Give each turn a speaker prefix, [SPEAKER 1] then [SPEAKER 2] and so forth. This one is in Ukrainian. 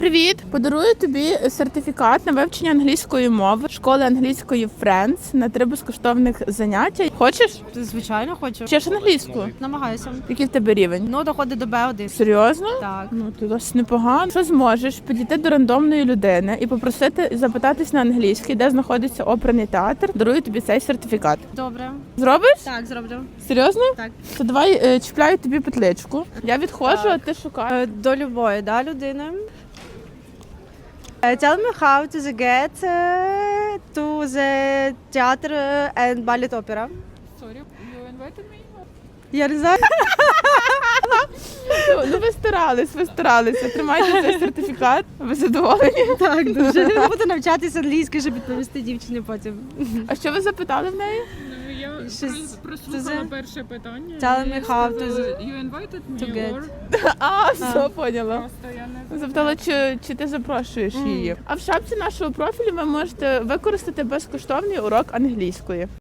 [SPEAKER 1] Привіт! Подарую тобі сертифікат на вивчення англійської мови школи англійської Friends на 3 безкоштовних заняття. Хочеш?
[SPEAKER 2] Звичайно, хочу.
[SPEAKER 1] Вчиш англійську?
[SPEAKER 2] Намагаюся.
[SPEAKER 1] Який в тебе рівень?
[SPEAKER 2] Ну, доходить до Б1.
[SPEAKER 1] Серйозно?
[SPEAKER 2] Так.
[SPEAKER 1] Ну, ти досить непогано. Що зможеш підійти до рандомної людини і попросити запитатись на англійській, де знаходиться оперний театр, дарую тобі цей сертифікат.
[SPEAKER 2] Добре.
[SPEAKER 1] Зробиш?
[SPEAKER 2] Так, зроблю.
[SPEAKER 1] Серйозно?
[SPEAKER 2] Так.
[SPEAKER 1] То давай чіпляю тобі петличку. Я відходжу, а ти шукаєш.
[SPEAKER 2] До любої, да, людини. Tell me how to get to the theater and ballet opera.
[SPEAKER 1] Sorry, you invited me?
[SPEAKER 2] Я не знаю.
[SPEAKER 1] Ну ви старалися. Тримайте цей сертифікат. Ви задоволені?
[SPEAKER 2] Так, дуже. Буду навчатися англійською, щоб відповісти дівчині потім.
[SPEAKER 1] А що ви запитали в неї?
[SPEAKER 3] Я
[SPEAKER 2] Щось-
[SPEAKER 3] прослухала
[SPEAKER 2] це-
[SPEAKER 3] перше питання.
[SPEAKER 2] Tell
[SPEAKER 3] і
[SPEAKER 2] me how to
[SPEAKER 3] сказали, You invited me
[SPEAKER 2] to get.
[SPEAKER 3] or
[SPEAKER 1] А, все, поняла.
[SPEAKER 3] просто я не
[SPEAKER 1] Запитала, чи ти запрошуєш її. А в шапці нашого профілю ви можете використати безкоштовний урок англійської.